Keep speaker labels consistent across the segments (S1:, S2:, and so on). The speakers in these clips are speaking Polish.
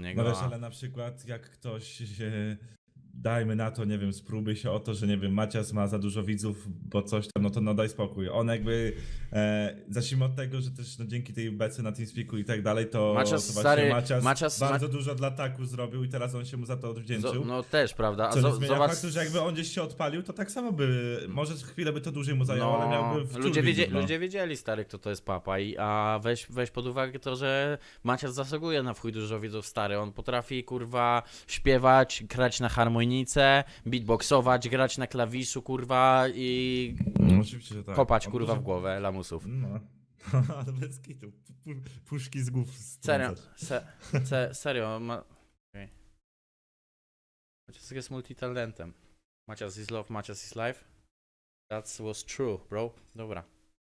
S1: No wiesz, ale na przykład jak ktoś dajmy na to, nie wiem, spróbuj się o to, że nie wiem, Macias ma za dużo widzów, bo coś tam, no to no daj spokój. On jakby, zacznijmy od tego, że też no, dzięki tej bece na TeamSpeaku i tak dalej, to
S2: Macias,
S1: właśnie
S2: stary,
S1: Macias bardzo dużo dla Taku zrobił i teraz on się mu za to odwdzięczył.
S2: No też, prawda? A
S1: Co nie zmienia
S2: zobacz...
S1: faktu, że jakby on gdzieś się odpalił, to tak samo by, może chwilę by to dłużej mu zajęło, ale miałby wciul widzów, no.
S2: Ludzie wiedzieli, stary, kto to jest papa, a weź pod uwagę to, że Macias zasługuje na chuj dużo widzów, stary. On potrafi, kurwa, śpiewać, grać na harmonice, beatboxować, grać na klawiszu, kurwa, i
S1: No, oczywiście, że tak.
S2: kopać,
S1: On
S2: kurwa,
S1: dużo-
S2: w głowę lamusów.
S1: No, ale bez kitu. Puszki z głów
S2: Serio,
S1: strącać.
S2: serio, okay. Macias jest multitalentem. Macias is love, Macias is life. That was true, bro. Dobra.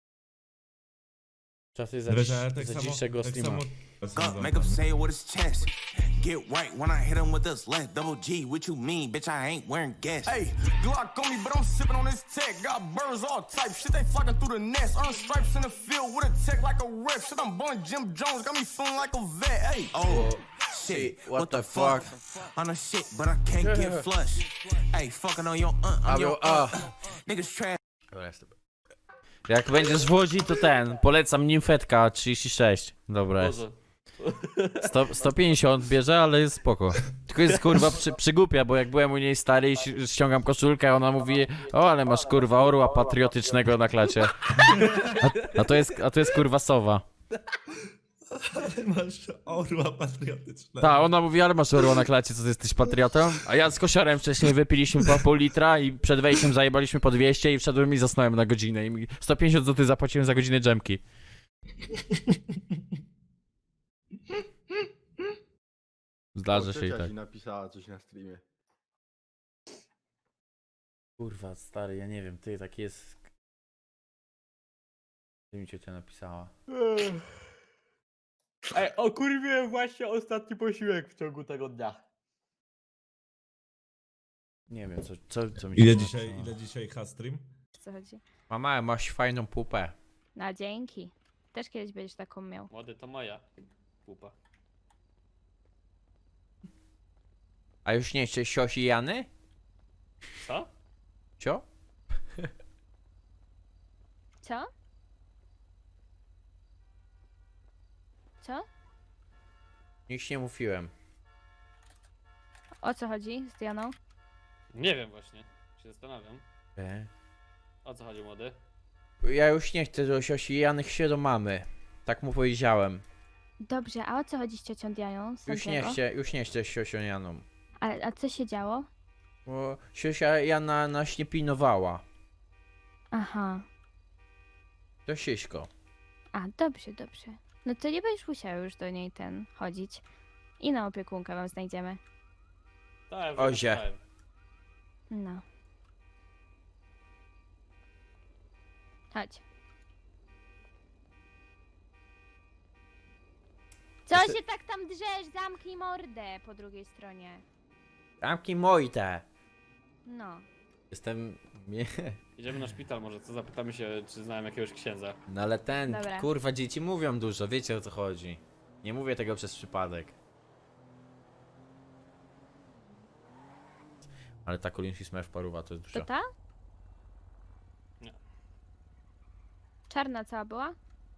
S2: Czasy za,
S1: Wiesz, ale tak
S2: za
S1: samo-
S2: dzisiejszego
S1: tak
S2: streama.
S1: samo-
S3: Make him say it with his chest. Get right when I hit him with this left. Double G, what you mean, bitch? I ain't wearing gas. Hey, Glock on me, but I'm sipping on this tech. Got birds all type, shit they flocking through the nest. Earn stripes in the field with a tech like a rep. Shit, I'm born Jim Jones, got me feeling like a vet. Hey, oh. Shit, what the fuck? On the shit, but I can't get flush. Hey, fucking on your I'm your niggas trash.
S2: Dobra, jest. Jak będziesz w Łodzi, to polecam Nimfetka 36. Dobra jest. 150 bierze, ale jest spoko. Tylko jest kurwa przygłupia, bo jak byłem u niej stary i ściągam koszulkę, ona mówi: o, ale masz kurwa orła patriotycznego na klacie. A to jest kurwa sowa.
S1: Masz orła patriotycznego.
S2: Ta, ona mówi: ale masz orła na klacie, co ty jesteś patriotą? A ja z kosiarem wcześniej wypiliśmy po pół litra i przed wejściem zajebaliśmy po 200 i wszedłem i zasnąłem na godzinę. I 150 zł zapłaciłem za godzinę dżemki. Zdarzy się i
S4: Ciocia
S2: tak.
S4: ci napisała coś na streamie.
S2: Kurwa, stary, ja nie wiem, ty, taki jest... Ty mi ciocia napisała.
S5: Ej, okurwiłem właśnie ostatni posiłek w ciągu tego dnia.
S2: Nie wiem, co mi
S1: Ile
S2: napisała.
S1: dzisiaj stream?
S6: O co chodzi?
S2: Mama, masz fajną pupę.
S6: No dzięki. Też kiedyś będziesz taką miał.
S5: Młody, to moja pupa.
S2: A już nie chcesz siosi Jany?
S5: Co?
S2: Cio?
S6: Co? Co?
S2: Nic nie mówiłem.
S6: O co chodzi z Dianą?
S5: Nie wiem właśnie. Się zastanawiam. O co chodzi, młody?
S2: Ja już nie chcę do siosi Jany, chcę do mamy. Tak mu powiedziałem.
S6: Dobrze, a o co chodzi z ciocią Dianą? Santiago?
S2: Już nie chcę z siosią Janą.
S6: A co się działo?
S2: Bo siosia Jana nas nie pilnowała.
S6: Aha.
S2: To siśko.
S6: A, dobrze, dobrze. No to nie będziesz musiał już do niej chodzić. I na opiekunkę wam znajdziemy.
S5: Tak,
S2: Ozie.
S5: wyglądałem.
S6: No. Chodź. Co się tak tam drzesz? Zamknij mordę po drugiej stronie.
S2: Tamki mojte.
S6: No.
S2: Jestem...
S5: Idziemy na szpital może, co? Zapytamy się, czy znałem jakiegoś księdza.
S2: No ale
S6: Dobra.
S2: kurwa, dzieci mówią dużo, wiecie o co chodzi. Nie mówię tego przez przypadek. Ale ta Kolinski Smurf paruwa to jest
S6: To
S2: dużo.
S6: ta?
S5: Nie.
S6: Czarna cała była?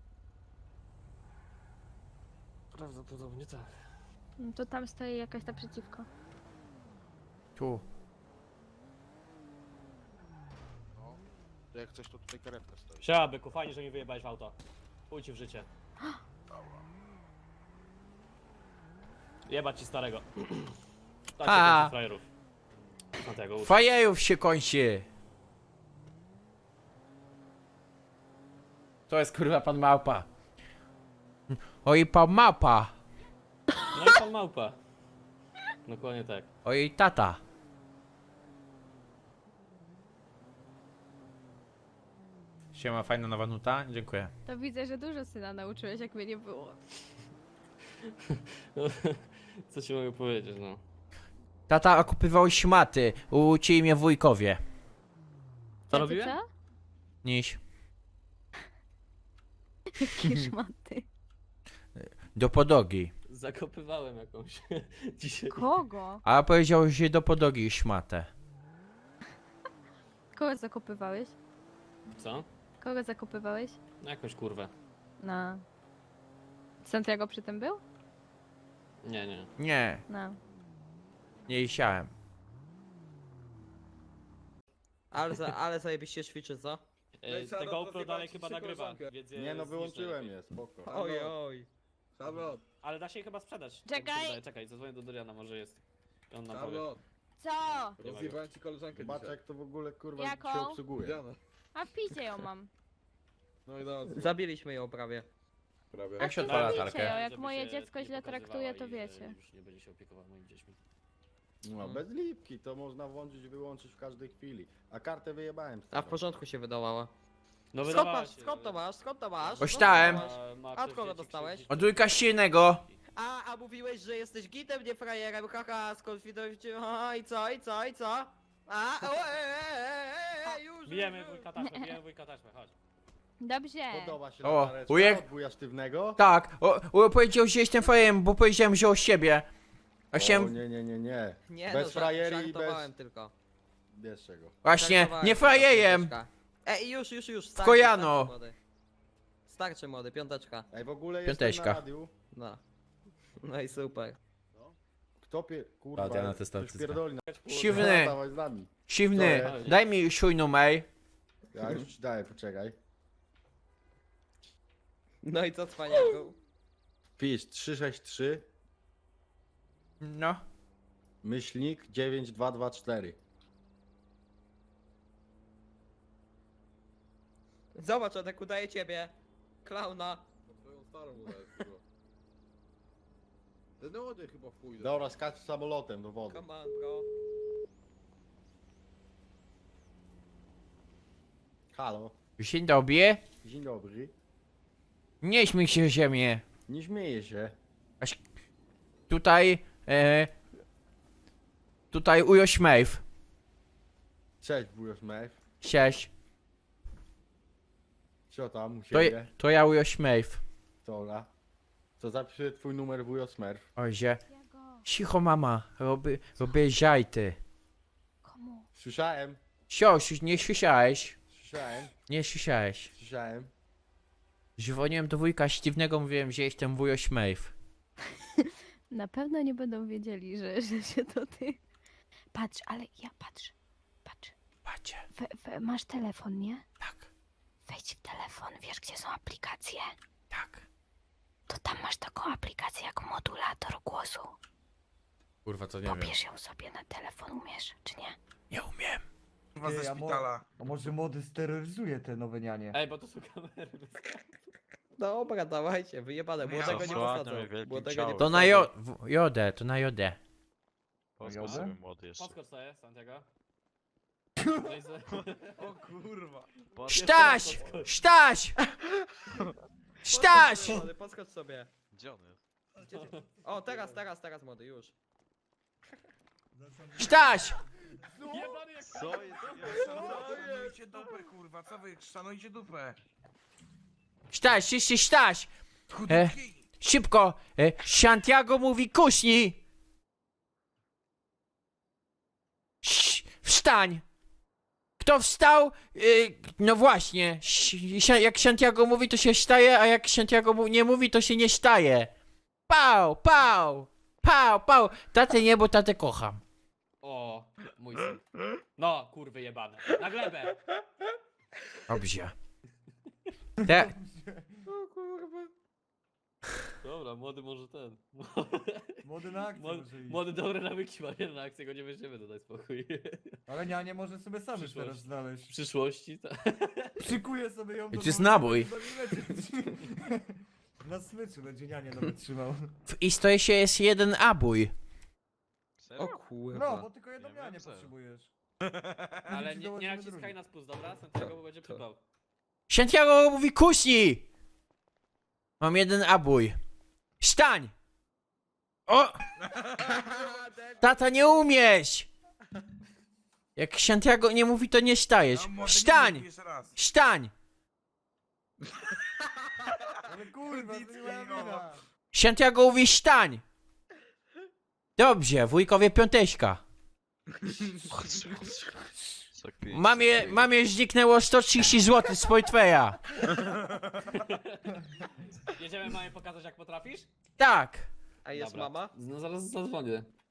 S5: Prawdopodobnie tak.
S6: No to tam stoi jakaś naprzeciwko.
S2: Tu.
S4: To jak coś, to tutaj karetka stoi.
S5: Siema, byku, fajnie, że mi wyjebałeś w auto. Chuj ci w życie. Jebać ci starego. Tak się kończy frajerów. Dlatego
S2: Fajejów się kończy! To jest kurwa pan małpa. Oj pan małpa.
S5: No i pan małpa. Dokładnie tak.
S2: Oj tata. Siema, fajna nowa nuta? Dziękuję.
S6: To widzę, że dużo syna nauczyłeś, jak mnie nie było.
S5: No, co ci mogę powiedzieć, no.
S2: Tata, okupywał szmaty. Uczyli mnie wujkowie.
S5: Co robiłem?
S6: Co?
S2: Niś.
S6: Jakie szmaty.
S2: Do podogi.
S5: Zakopywałem jakąś dzisiaj.
S6: Kogo?
S2: A powiedział, że do podłogi szmatę.
S6: Kogo zakopywałeś?
S5: Co?
S6: Kogo zakopywałeś?
S5: No jakąś kurwę.
S6: No. Santiago przy tym był?
S5: Nie.
S2: Nie,
S6: No.
S2: nie siałem.
S7: Ale zajebiście ćwiczy, co?
S5: Te GoPro dalej chyba nagrywa, więc
S8: Nie no, wyłączyłem je, spoko.
S7: Oj, oj.
S4: Charlotte,
S5: Ale da się je chyba sprzedać.
S6: Czekaj!
S5: Tak mi się wydaje. Czekaj, zadzwonię do Doriana, może jest. I on nam powie.
S4: Charlotte,
S6: Co?
S4: rozjebałem ci koleżankę
S8: Zobacz
S4: dzisiaj.
S8: jak to w ogóle kurwa
S6: Jaką?
S8: się obsługuje.
S4: Diana.
S6: A w piździe ją mam.
S4: No i dobrze,
S7: Zabiliśmy ją prawie.
S4: prawie.
S2: Jak się
S6: to
S2: odpala
S6: wiecie,
S2: latarkę?
S6: jak
S5: Żeby
S6: moje
S5: się
S6: dziecko
S5: nie
S6: źle
S5: pokazywała
S6: traktuje, to
S5: i,
S6: wiecie.
S5: Już nie będzie się opiekował moimi dziećmi.
S8: No bez lipki, to można włączyć i wyłączyć w każdej chwili. A kartę wyjebałem z
S7: A w
S8: tego.
S7: porządku się wydawała.
S5: No
S7: Skąd
S5: wydawała
S7: masz?
S5: się,
S7: Skąd to
S5: ale-
S7: masz? Skąd to masz?
S2: Ośtałem.
S7: Skąd to masz?
S5: Ma
S7: A od kogo
S5: dzieci
S7: dostałeś?
S5: krzywdzić.
S2: Od wujka silnego.
S7: A mówiłeś, że jesteś gitem, nie frajerem, haha, skonfidować cię, i co, i co, i co? A, już,
S5: Bijemy wujka taśmę, chodź.
S6: Dobrze.
S8: Podoba się
S2: O,
S8: latareczka
S2: wujek-
S8: od wuja sztywnego?
S2: Tak, powiedział, że jestem fajem, bo powiedziałem, że o siebie. A
S8: O,
S2: chciałem...
S8: nie.
S7: Nie
S8: Bez
S7: no,
S8: frajeri i
S7: żartowałem
S8: bez...
S7: tylko.
S8: Wiesz czego.
S2: Właśnie,
S7: Żartowałem
S2: nie
S7: tylko,
S2: frajejem.
S7: piąteczka. Już, starczy,
S2: kojano.
S7: starczy, młody. Starczy młody, piąteczka.
S8: Ej, w ogóle
S2: Piąteczka.
S8: jestem na radiu.
S7: No. No i super.
S8: Kto kurwa,
S2: A, ja na
S8: ktoś
S2: testowy
S8: pierdoli na...
S2: Siwny,
S8: Dawaj z nami.
S2: siwny,
S8: To jest.
S2: daj mi swój numer.
S8: Ja już ci daję, poczekaj.
S7: No i co, cwaniaku?
S8: Pisz 363
S2: No.
S8: myślnik 9224.
S7: Zobacz, Adek, udaje ciebie. Klauna.
S4: No twoją starą udajesz chyba. Ten młody chyba w chuj.
S8: Dobra, skacz samolotem do wody.
S7: Come on, bro.
S8: Halo,
S2: Dzień dobry.
S8: dzień dobry.
S2: Nie śmiej się ziemię.
S8: Nie śmieję się.
S2: Tutaj, tutaj ujo śmejw.
S8: Cześć, wujo Smith.
S2: Cześć.
S8: Co tam u
S2: To,
S8: siebie?
S2: to ja ujo śmejw.
S8: Dobra. To zapisuję twój numer wujo Smurf.
S2: Ozie.
S6: Santiago,
S2: Cicho mama, robię żajty.
S6: komu?
S8: Słyszałem,
S2: Nie słyszałeś?
S8: słyszałem,
S2: Nie słyszałeś.
S8: słyszałem.
S2: Dzwoniłem do wujka Sztywnego, mówiłem, że jestem wujo śmejw.
S6: Na pewno nie będą wiedzieli, że się to ty. Patrz, ale ja patrz.
S2: Patrzcie,
S6: Masz telefon, nie?
S2: tak,
S6: Wejdź w telefon, wiesz gdzie są aplikacje?
S2: tak.
S6: To tam masz taką aplikację jak modulator głosu.
S2: Kurwa, to nie wiem.
S6: Pobierz ją sobie na telefon, umiesz, czy nie?
S2: Nie umiem.
S9: Kurwa ze szpitala. A może młody steroryzuje te nowe nianie?
S5: Ej, bo to są kamery.
S7: Dobra, dawajcie, wyjebane,
S9: No
S7: młodego nie posadzą. Młodego nie
S2: To na jodę, to na jodę.
S9: Jodę?
S5: Podskocz sobie, Santiago.
S9: O kurwa.
S2: Sztaś! Sztaś! Sztaś!
S7: Młody, podskocz sobie.
S10: Gdzie on jest?
S7: O, teraz, młody, już.
S2: Sztaś!
S10: Co jest?
S9: Szanujcie dupę kurwa, co wy szanujcie dupę?
S2: Sztaś, jeszcze sztaś!
S9: Chudki.
S2: Szybko! Santiago mówi kuśni! Wstań! Kto wstał? No właśnie. Jak Santiago mówi, to się staje, a jak Santiago nie mówi, to się nie staje. Pał, pał! Pał, pał! Tatę nie, bo tatę kocham.
S5: O, mój syn. No, kurwy jebane. Na glebę!
S2: Dobrze.
S7: O kurwa.
S5: Dobra, młody może ten.
S9: Młody na akcję może iść.
S5: Młody dobre nawyki ma, nie na akcję go nie weźmiemy, to daj spokój.
S9: Ale nianie może sobie sam już
S5: Przyszłość.
S9: teraz
S5: W
S9: znaleźć.
S5: przyszłości, tak.
S9: Przykuje sobie ją do
S2: To jest
S9: domu,
S2: nabój.
S9: Na smyczu będzie nianie nawet trzymał.
S2: W istocie jest jeden abój.
S7: O
S9: No,
S7: kurwa.
S9: bo tylko jedną
S10: Nie
S9: nianie
S10: wiem, co.
S9: potrzebujesz.
S5: Ale
S9: Ci
S5: nie
S9: dołożymy
S5: naciskaj
S9: drugi.
S5: na spust, dobra? Santiago bo będzie
S7: To.
S5: przypał.
S2: Santiago mówi kuśni! Mam jeden abój. Wstań! O! Tata, nie umiesz! Jak Santiago nie mówi, to nie stajesz.
S9: No, może nie
S2: Wstań!
S9: mów jeszcze raz.
S2: Wstań!
S9: Ale kurwa, to nie moja wina.
S2: Santiago mówi stań! Dobrze, wujkowie piąteśka. Mamie zniknęło 130 zł z portfela.
S5: Jedziemy mamie pokazać jak potrafisz?
S2: Tak.
S7: A jest
S5: Dobra.
S7: mama?
S5: No zaraz zadzwonię.